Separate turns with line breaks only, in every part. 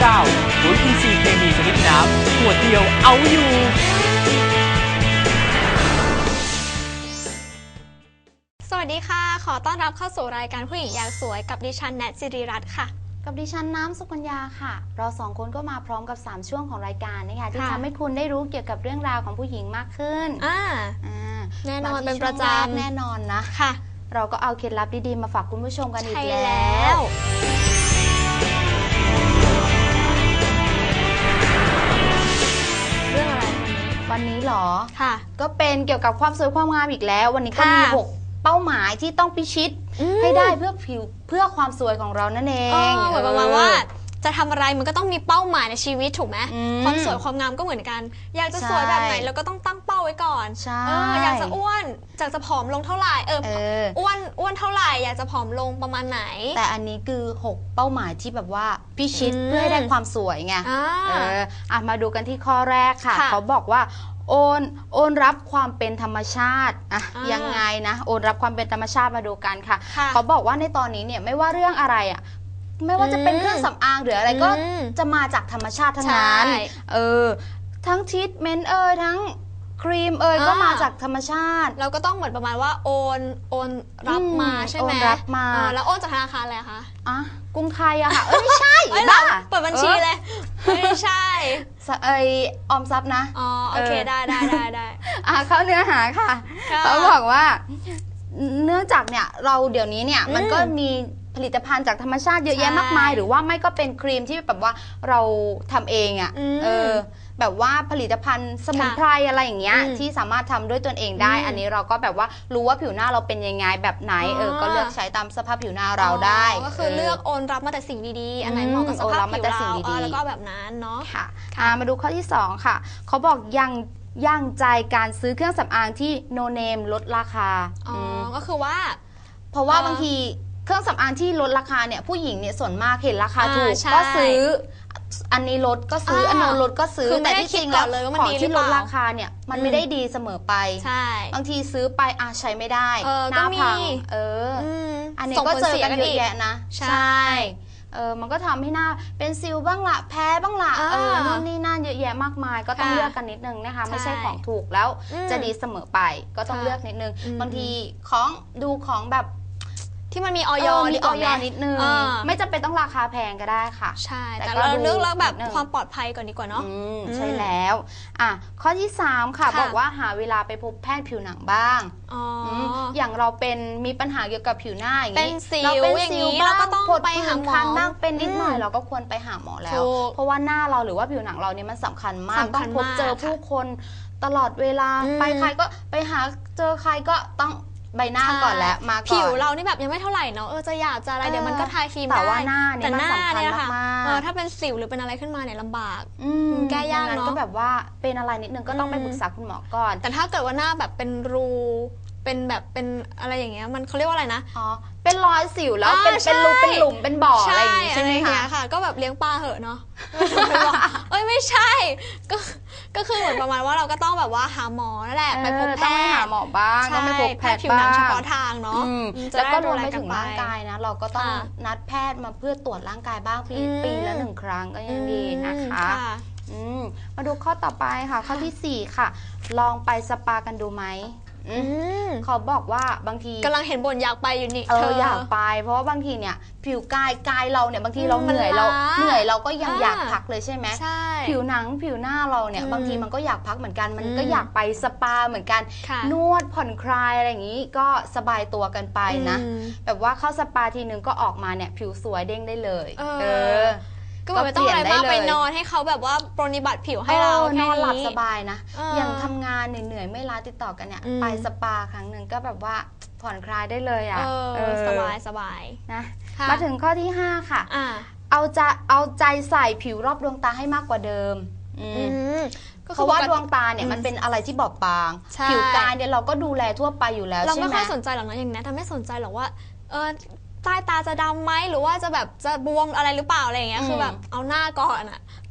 09ปุ๋ยอินทรีย์เคมีชนิดน้ำขวดเดียวเอาอยู่
สวัสดีค่ะขอต้อนรับเข้าสู่รายการผู้หญิงอยากสวยกับดิฉันแนทสิริรัตน์ค่ะ
กับดิฉันน้ำสุกัญญาค่ะเราสองคนก็มาพร้อมกับ3ช่วงของรายการนะคะที่ทำให้คุณได้รู้เกี่ยวกับเรื่องราวของผู้หญิงมากขึ้น
แน่นอนเป็นประจำ
แน่นอนนะ
ค่ะ
เราก็เอาเคล็ดลับดีๆมาฝากคุณผู้ชมกันอีกแล้ว
เรื่องอะไร
วันนี้หรอ
ค่ะ
ก็เป็นเกี่ยวกับความสวยความงามอีกแล้ววันนี้ก็มี6เป้าหมายที่ต้องพิชิตให้ได้เพื่อความสวยของเรานั่นเอง
เหมือนประมาณว่าจะทำอะไรมันก็ต้องมีเป้าหมายในชีวิตถูกไหมความสวยความงามก็เหมือนกันอยากจะสวยแบบไหนเราก็ต้องตั้งเป้าไว้ก่อนอยากจะอ้วนอยากจะผอมลงเท่าไหร่อ้วนเท่าไหร่อยากจะผอมลงประมาณไหน
แต่อันนี้คือ6เป้าหมายที่แบบว่าพิชิตเพื่อให้ได้ความสวยไงมาดูกันที่ข้อแรกค่ะเขาบอกว่าโอนรับความเป็นธรรมชาติยังไงนะโอนรับความเป็นธรรมชาติมาดูกันค่ะเขาบอกว่าในตอนนี้เนี่ยไม่ว่าเรื่องอะไรไม่ว่าจะเป็นเครื่องสำอางหรืออะไรก็จะมาจากธรรมชาติทั้งนั้นทั้งทรีทเมนต์ทั้งครีมก็มาจากธรรมชาติ
เราก็ต้องเหมือนประมาณว่าโอนรับมาใช่ไหม
โอนรับมา
แล้วโอนจากธนาคารอะไรคะ
กรุงไทยอะค่ะไม่ใช่
บ้าเปิดบัญชีเลยไม่ใช่
ออมทรัพย์นะ
โอเคได้
เข้าเนื้อหาค่ะเขาบอกว่าเนื่องจากเนี่ยเราเดี๋ยวนี้เนี่ยมันก็มีผลิตภัณฑ์จากธรรมชาติเยอะแยะมากมายหรือว่าไม่ก็เป็นครีมที่แบบว่าเราทำเองแบบว่าผลิตภัณฑ์สมุนไพรอะไรอย่างเงี้ยที่สามารถทำด้วยตนเองได้อันนี้เราก็แบบว่ารู้ว่าผิวหน้าเราเป็นยังไงแบบไหนก็เลือกใช้ตามสภาพผิวหน้าเราได้
ก็คือเลือกโอนรับมาแต่สิ่งดีๆอันไหนเหมาะกับสภาพผิวเราแล้วก็แบบนั้นเนาะ
ค่ะมาดูข้อที่2ค่ะเขาบอกยังใจการซื้อเครื่องสำอางที่โนเนมลดราคา
ก็คือว่า
เพราะว่าบางทีเครื่องสำอางที่ลดราคาเนี่ยผู้หญิงเนี่ยส่วนมากเห็นราคาถูกก็ซื้ออันนี้ลดก็ซื้ออันโน้นลดก็ซื้อแต่ที่จริงแล้วของที่ลดราคาเนี่ยมันไม่ได้ดีเสมอไปบางทีซื้อไปใช้ไม่ได้หน้าพังอันนี้ก็เจอกันเยอะแยะนะใช่มันก็ทำให้หน้าเป็นสิวบ้างละแพ้บ้างละนู่นนี่นั่นเยอะแยะมากมายก็ต้องเลือกกันนิดนึงนะคะไม่ใช่ของถูกแล้วจะดีเสมอไปก็ต้องเลือกนิดนึงบางทีดูของแบบ
ที่มันมีออย
นิดนึงไม่จำเป็นต้องราคาแพงก็ได้ค่ะ
ใช่แต่เราเลือกแล้วแบบความปลอดภัยก่อนดีกว่าเนาะ
ใช่แล้วข้อที่3ค่ะบอกว่าหาเวลาไปพบแพทย์ผิวหนังบ้างอย่างเรามีปัญหาเกี่ยวกับผิวหน้าอย่างนี้
เราเป็นสิว
บ้างผดผื่นคันบ้างเป็นนิดหน่อยเราก็ควรไปหาหมอแล้วเพราะว่าหน้าเราหรือว่าผิวหนังเราเนี่ยมันสำคัญมากต้องพบเจอผู้คนตลอดเวลาไปใครก็ไปหาเจอใครก็ต้องใบหน้าก่อนแล้วมาก่อน
ผิวเรานี่แบบยังไม่เท่าไหร่เนาะจะหยาบจะอะไรเดี๋ยวมันก็ทาครีมได้
แต่ว่าหน้าเนี่ยมันสำคัญมาก
ถ้าเป็นสิวหรือเป็นอะไรขึ้นมาเนี่ยลำบากแก้ยากเนาะ
ก็แบบว่าเป็นอะไรนิดนึงก็ต้องไปปรึกษาคุณหมอก่อน
แต่ถ้าเกิดว่าหน้าแบบเป็นรูเป็นอะไรอย่างเงี้ยมันเขาเรียกว่าอะไรนะ
เป็นรอยสิวแล้วเป็นรูเป็นหลุมเป็นบ่ออะไรอย่างงี้ใช่ไหม
คะก็แบบเลี้ยงปลาเหอะเนาะไม่ใช่ก็คือเหมือนประมาณว่าเราก็ต้องแบบว่าหาหมอนั่นแหละไปพบแพทย์
ต้องไปหาหมอบ้างต้องไปพบแพทย์
ผิวหนังเฉพาะทางเนาะ
แล้วก็รวมไปถึงร่างกายนะเราก็ต้องนัดแพทย์มาเพื่อตรวจร่างกายบ้างปีละ1 ครั้งก็ยังดีนะคะมาดูข้อต่อไปค่ะข้อที่4ค่ะลองไปสปากันดูไหมเขาบอกว่าบางที
กำลังเห็นบ่นอยากไปอยู่นี่
อยากไปเพราะว่าบางทีเนี่ยผิวกายเราเนี่ยบางทีเราเหนื่อยเราก็ยังอยากพักเลยใช่ไหมผิวหนังผิวหน้าเราเนี่ยบางทีมันก็อยากพักเหมือนกันมันก็อยากไปสปาเหมือนกันนวดผ่อนคลายอะไรอย่างนี้ก็สบายตัวกันไปนะแบบว่าเข้าสปาทีนึงก็ออกมาเนี่ยผิวสวยเด้งได้เลย
ก็ไม่ต้องอะไรมากไปนอนให้เขาแบบว่าปรนนิบัติผิวให้เรา
นอนหลับสบายนะอย่างทำงานเหนื่อยไม่ล้าติดต่อกันเนี่ยไปสปาครั้งหนึ่งก็แบบว่าผ่อนคลายได้เลย
สบาย
นะมาถึงข้อที่5ค่ะเอาใจใส่ผิวรอบดวงตาให้มากกว่าเดิมเพราะว่าดวงตาเนี่ยมันเป็นอะไรที่บอบบางผิวกายเนี่ยเราก็ดูแลทั่วไปอยู่แล้ว
เราไม่ค่อยสนใจหรอกนะอย่างนี้ทำไม่สนใจหรอกว่าใต้ตาจะดำไหมหรือว่าจะแบบจะบวมอะไรหรือเปล่าอะไรอย่างเงี้ยคือแบบเอาหน้าก่อน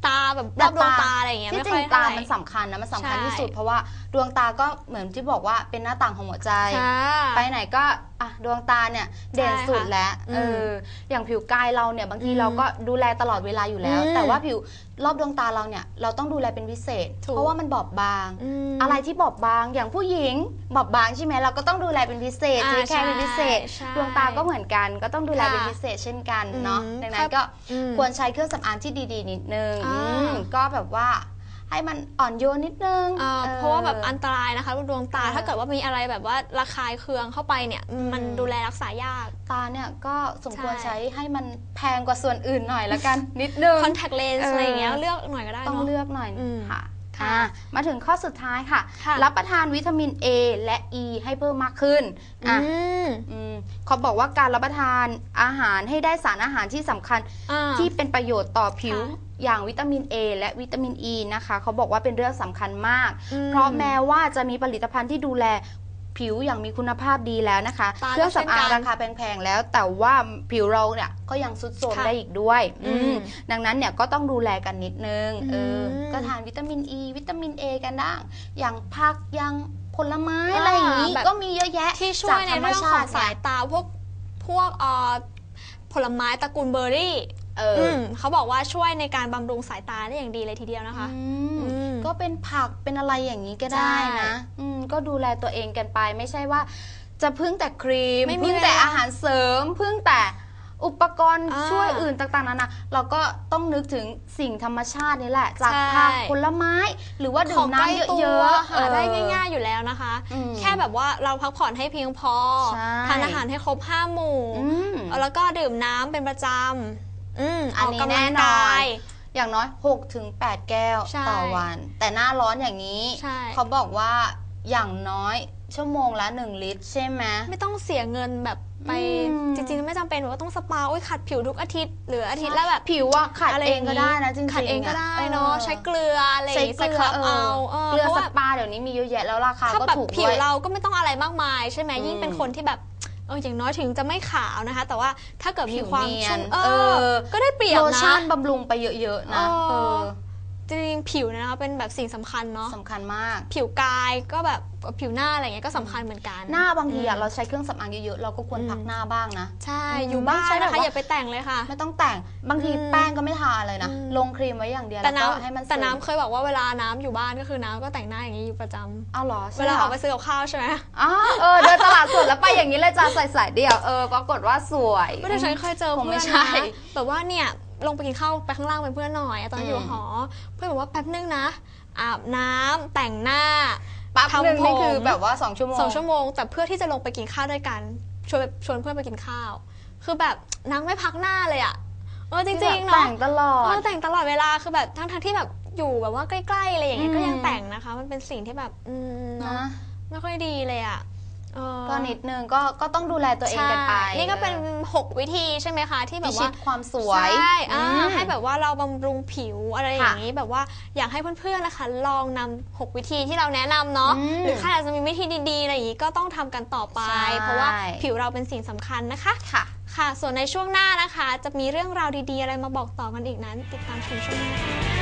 ตาแบบรอบดวงตาอะไรอย่างเงี้ย
ที่จริงตามันสำคัญนะมันสำคัญที่สุดเพราะว่าดวงตาก็เหมือนที่บอกว่าเป็นหน้าต่างของหัวใจไปไหนก็ดวงตาเนี่ยเด่นสุดแล้วอย่างผิวกายเราเนี่ยบางทีเราก็ดูแลตลอดเวลาอยู่แล้วแต่ว่าผิวรอบดวงตาเราเนี่ยเราต้องดูแลเป็นพิเศษเพราะว่ามันบอบบางอะไรที่บอบบางอย่างผู้หญิงบอบบางใช่ไหมเราก็ต้องดูแลเป็นพิเศษแค่เป็นพิเศษดวงตาก็เหมือนกันก็ต้องดูแลเป็นพิเศษเช่นกันเนาะดังนั้นก็ควรใช้เครื่องสำอางที่ดีๆนิดนึงก็แบบว่าให้มันอ่อนโยนนิดนึง
เพราะว่าแบบอันตรายนะคะดวงตาถ้าเกิดว่ามีอะไรแบบว่าระคายเคืองเข้าไปเนี่ยมันดูแลรักษายาก
ตาเนี่ยก็สมควรใช้ให้มันแพงกว่าส่วนอื่นหน่อยละกันนิดนึง
contact lens อะไรอย่างเงี้ยเลือกหน่อยก็ได้
ต้องเลือกหน่อยค่ะมาถึงข้อสุดท้ายค่ะรับประทานวิตามิน A และ E ให้เพิ่มมากขึ้นเขาบอกว่าการรับประทานอาหารให้ได้สารอาหารที่สำคัญที่เป็นประโยชน์ต่อผิวอย่างวิตามิน A และวิตามิน E นะคะเขาบอกว่าเป็นเรื่องสำคัญมากเพราะแม้ว่าจะมีผลิตภัณฑ์ที่ดูแลผิวอย่างมีคุณภาพดีแล้วนะคะเครื่องสำอางราคาแพงๆแล้วแต่ว่าผิวเราเนี่ยก็ยังทรุดโทรมได้อีกด้วยดังนั้นเนี่ยก็ต้องดูแลกันนิดนึงก็ทานวิตามิน E วิตามิน A กันได้อย่างผักอย่างผลไม้อะไรอย่างนี้ก็มีเยอะแยะ
ที่ช่วยในเรื่องของสายตาพวกผลไม้ตระกูลเบอร์รี่เขาบอกว่าช่วยในการบำรุงสายตาได้อย่างดีเลยทีเดียวนะคะ
ก็เป็นผักเป็นอะไรอย่างนี้ก็ได้นะก็ดูแลตัวเองกันไปไม่ใช่ว่าจะพึ่งแต่ครีมพึ่งแต่อาหารเสริมพึ่งแต่อุปกรณ์ช่วยอื่นต่างๆนานาเราก็ต้องนึกถึงสิ่งธรรมชาตินี่แหละจากผักผลไม้หรือว่าดื่มน้ำเยอะ
ๆหาได้ง่ายๆอยู่แล้วนะคะแค่แบบว่าเราพักผ่อนให้เพียงพอทานอาหารให้ครบ5 หมู่แล้วก็ดื่มน้ำเป็นประจำ
อันนี้แน่นอนอย่างน้อย 6-8 แก้วต่อวันแต่หน้าร้อนอย่างนี้เขาบอกว่าอย่างน้อยชั่วโมงละ1 ลิตรใช่ไหม
ไม่ต้องเสียเงินแบบไปจริงๆไม่จำเป็นว่าต้องสปาขัดผิวทุกอาทิตย์หรืออาทิตย์แล้วแบบ
ผิวว่าขัดเองก็ได้นะจริงๆ
ขัดเองก็ได้เนาะใช้เกลืออะไร
ใช้เกลือเกลือสปาเดี๋ยวนี้มีเยอะแยะแล้วราคาก็ถูกด้วย
ผิวเราก็ไม่ต้องอะไรมากมายใช่ไหมยิ่งเป็นคนที่แบบอย่างน้อยถึงจะไม่ขาวนะคะแต่ว่าถ้าเกิดมีความชุ่มก็ได้เปรียบนะ
โลชั่นบำรุงไปเยอะๆนะ
จริงๆผิวนะคะเป็นแบบสิ่งสำคัญเนาะ
สำคัญมาก
ผิวกายก็แบบผิวหน้าอะไรเงี้ยก็สำคัญเหมือนกัน
หน้าบางทีเราใช้เครื่องสำอางเยอะๆเราก็ควรพักหน้าบ้างนะ
ใช่อยู่บ้านนะคะอย่าไปแต่งเลยค่ะ
ไม่ต้องแต่งบางทีแป้งก็ไม่ทาเลยนะลงครีมไว้อย่างเดียวแล้วก็ให้มัน
แต่น้ำเคยบอกว่าเวลาน้ำอยู่บ้านก็คือน้ำก็แต่งหน้าอย่างนี้อยู่ประจำ
อ้าวเหรอ
เวลาออกไปซื้อกับข้าวใช่ไหม
เดินตลาดสดแล้วไปอย่างนี้เลยจ้าใส่เดี่ยวปรากฏว่าสวย
ไม่ได้ฉันเคยเจอเพื่อนนะแบบว่าเนี่ยลงไปกินข้าวไปข้างล่างเป็นเพื่อนหน่อยตอนอยู่หอเพื่อนบอกว่าแป๊บนึงนะอาบน้ำแต่งหน้า
ทำผมนี่คือแบบว่า2 ชั่วโมง
2 ชั่วโมงแต่เพื่อที่จะลงไปกินข้าวด้วยกันชวนเพื่อนไปกินข้าวคือแบบนางไม่พักหน้าเลยอ่ะจริงๆเนาะ
แต่งตลอด
แต่งตลอดเวลาคือแบบทั้งที่แบบอยู่แบบว่าใกล้ๆอะไรอย่างเงี้ยก็ยังแต่งนะคะมันเป็นสิ่งที่แบบนะไม่ค่อยดีเลยอ่ะ
ก็นิดนึงก็ต้องดูแลตัวเองกันไป
นี่ก็เป็น6 วิธีใช่ไหมคะที่แบบว่า
ความสวย
ใช่ให้แบบว่าเราบำรุงผิวอะไรอย่างนี้แบบว่าอยากให้เพื่อนๆนะคะลองนำ6 วิธีที่เราแนะนำเนาะหรือใครอาจจะมีวิธีดีๆอะไรอย่างนี้ก็ต้องทำกันต่อไปเพราะว่าผิวเราเป็นสิ่งสำคัญนะคะค่ะส่วนในช่วงหน้านะคะจะมีเรื่องราวดีๆอะไรมาบอกต่อกันอีกนั้นติดตามชมช่วงหน้า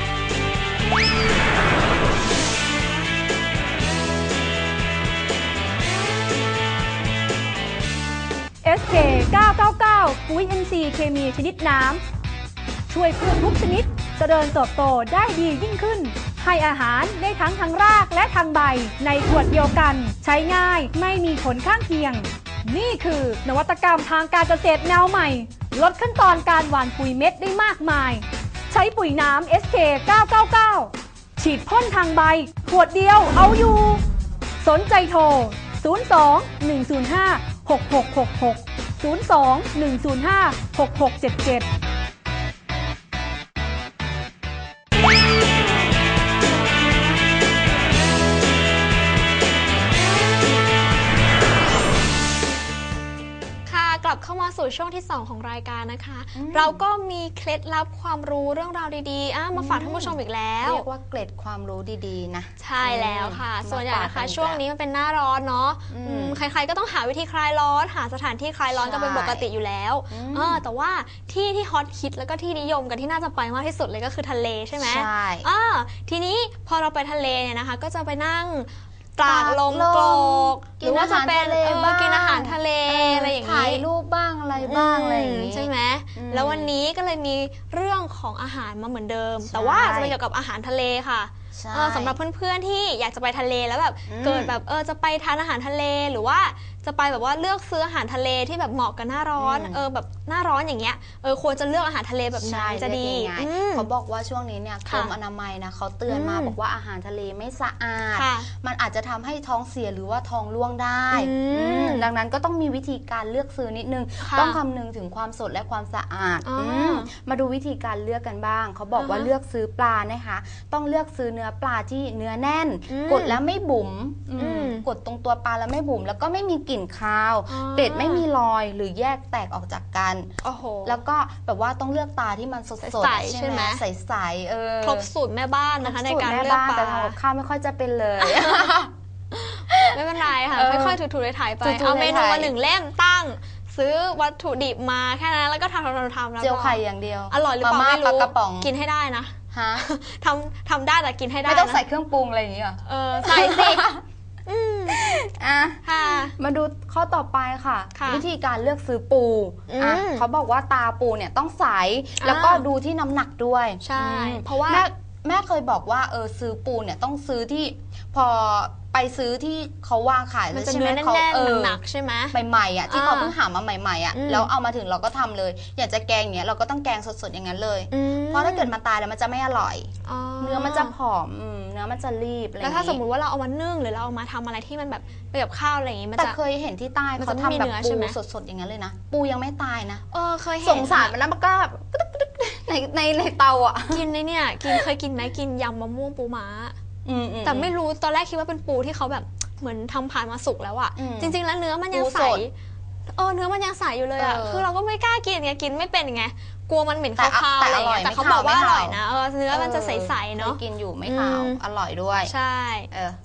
SK 999ปุ๋ย NC เคมีชนิดน้ำช่วยพืชทุกชนิดเจริญเติบโตได้ดียิ่งขึ้นให้อาหารได้ทั้งทางรากและทางใบในขวดเดียวกันใช้ง่ายไม่มีผลข้างเคียงนี่คือนวัตกรรมทางการเกษตรแนวใหม่ลดขั้นตอนการหว่านปุ๋ยเม็ดได้มากมายใช้ปุ๋ยน้ำ SK 999ฉีดพ่นทางใบขวดเดียวเอาอยู่สนใจโทร02-105-6666 02-105-6677
กลับเข้ามาสู่ช่วงที่ 2 ของรายการนะคะ เราก็มีเคล็ดลับความรู้เรื่องราวดีๆมาฝากท่านผู้ชมอีกแล้ว
เรียกว่าเกร็ดความรู้ดีๆนะ
ใช่แล้วค่ะส่วนใหญ่นะคะช่วงนี้มันเป็นหน้าร้อนเนาะใครๆก็ต้องหาวิธีคลายร้อนหาสถานที่คลายร้อนกันเป็นปกติอยู่แล้วแต่ว่าที่ฮอตฮิตแล้วก็ที่นิยมกันที่น่าจะไปมากที่สุดเลยก็คือทะเลใช่ไหม
ใช่
ทีนี้พอเราไปทะเลเนี่ยนะคะก็จะไปนั่งตากลมโกรกหรือว่าจะเป็นกินอาหารทะเลอะไรอย่างนี้
ถ่ายรูปบ้างอะไรบ้างอะไรอย่างนี้
ใช่ไหมแล้ววันนี้ก็เลยมีเรื่องของอาหารมาเหมือนเดิมแต่ว่าจะเป็นเกี่ยวกับอาหารทะเลค่ะสำหรับเพื่อนๆที่อยากจะไปทะเลแล้วแบบเกิดแบบจะไปทานอาหารทะเลหรือว่าจะไปแบบว่าเลือกซื้ออาหารทะเลที่แบบเหมาะกับหน้าร้อนแบบหน้าร้อนอย่างเงี้ยควรจะเลือกอาหารทะเลแบบไหนจะดี
เขาบอกว่าช่วงนี้เนี่ยกรมอนามัยนะเขาเตือนมาบอกว่าอาหารทะเลไม่สะอาดมันอาจจะทำให้ท้องเสียหรือว่าท้องร่วงได้ดังนั้นก็ต้องมีวิธีการเลือกซื้อนิดนึงต้องคำนึงถึงความสดและความสะอาดมาดูวิธีการเลือกกันบ้างเขาบอกว่าเลือกซื้อปลานะคะต้องเลือกซื้อเนื้อปลาที่เนื้อแน่นกดแล้วไม่บุ๋มกดตรงตัวปลาแล้วไม่บุ๋มแล้วก็ไม่มีกลิ่นคาวเกล็ดไม่มีรอยหรือแยกแตกออกจากกันแล้วก็แบบว่าต้องเลือกปลาที่มันสดๆใช่ไหมใสๆ
ครบสูตรแม่บ้านนะคะในการเลือกปลา
แต่ทำกับข้าวไม่ค่อยจะเป็นเลย
ไม่เป็นไรค่ะค่อยๆถูๆถ่ายไปเอาเมนูมา1 เล่มตั้งซื้อวัตถุดิบมาแค่นั้นแล้วก็ทำแล้ว
เจียวไข่อย่างเดียว
อร่อยหรือเปล่าไม่รู้กินให้ได้นะทำได้แต่กินให้ได้
ไม่ต้องใส่เครื่องปรุงอะไรอย่างนี้หรอ
ใส่สิ
มาดูข้อต่อไปค่ะวิธีการเลือกซื้อปูเขาบอกว่าตาปูเนี่ยต้องใสแล้วก็ดูที่น้ำหนักด้วย
ใช่เพราะว่า
แม่เคยบอกว่าซื้อปูเนี่ยต้องซื้อที่พอไปซื้อที่เขาวางขาย
ใช่ไหมเขาหนักใช่ไหม
ใหม่ๆอ่ะที่เขาเพิ่งหามาใหม่ๆอ่ะแล้วเอามาถึงเราก็ทำเลยอยากจะแกงอย่างเงี้ยเราก็ต้องแกงสดๆอย่างนั้นเลยเพราะถ้าเกิดมาตายแล้วมันจะไม่อร่อยเนื้อมันจะผอมเนื้อมันจะรีบ
แล้วถ้าสมมุติว่าเราเอามานึ่งหรือเราเอามาทำอะไรที่มันแบบไปกับข้าวอะไรอย่างงี้มันจะ
แต่เคยเห็นที่ใต้เขาทำแบบปูสดๆอย่างนั้นเลยนะปูยังไม่ตายนะ
เคยเห็น
สงสารมันแล้วมันก็ในเตาอ่ะ
กินในเนี่ยเคยกินไหมกินยำมะม่วงปูม้าแต่ไม่รู้ตอนแรกคิดว่าเป็นปูที่เขาแบบเหมือนทำผ่านมาสุกแล้วอะจริงๆแล้วเนื้อมันยังใสเนื้อมันยังใสอยู่เลยอะคือเราก็ไม่กล้ากินไงกินไม่เป็นไงกลัวมันเหม็นคาวๆอะไรอย่างเงี้ยแต่เขาบอกว่าอร่อยนะเนื้อมันจะใสๆเนาะ
กินอยู่ไม่ขาวอร่อยด้วย
ใช่